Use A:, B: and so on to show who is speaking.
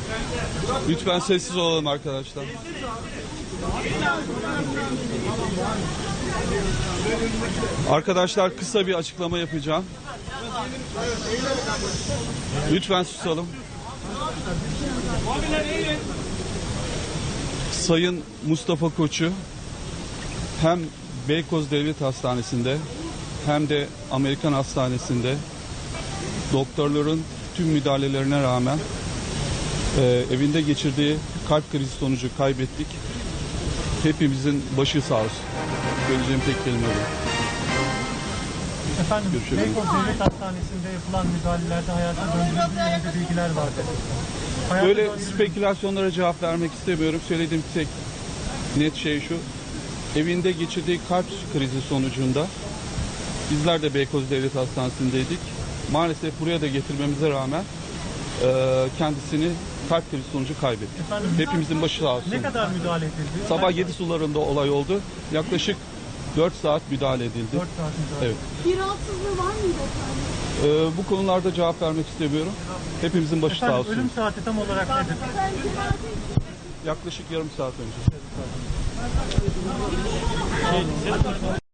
A: Lütfen sessiz olalım arkadaşlar. Arkadaşlar kısa bir açıklama yapacağım. Lütfen susalım. Sayın Mustafa Koç'u hem Beykoz Devlet Hastanesi'nde hem de Amerikan Hastanesi'nde doktorların tüm müdahalelerine rağmen evinde geçirdiği kalp krizi sonucu kaybettik. Hepimizin başı sağ olsun. Söyleyeceğim tek kelime bu.
B: Efendim, Beykoz Devlet Hastanesi'nde yapılan müdahalelerde hayata döndürüldüğü yönünde bilgiler vardı.
A: Böyle spekülasyonlara cevap vermek istemiyorum. Söylediğim tek net şey şu. Evinde geçirdiği kalp krizi sonucunda bizler de Beykoz Devlet Hastanesi'ndeydik. Maalesef buraya da getirmemize rağmen kendisini kalp krizi sonucu kaybetti.
B: Efendim,
A: hepimizin başı sağ olsun.
B: ne kadar müdahale edildi?
A: Sabah 7 sularında olay oldu. Yaklaşık 4 saat müdahale edildi.
B: 4 saat müdahale.
A: Evet.
C: Bir rahatsızlığı var mıydı efendim?
A: Bu konularda cevap vermek istemiyorum. Hepimizin başı sağ
B: Efendim,
A: olsun.
B: ölüm saati tam olarak nedir?
A: Yaklaşık yarım saat önce.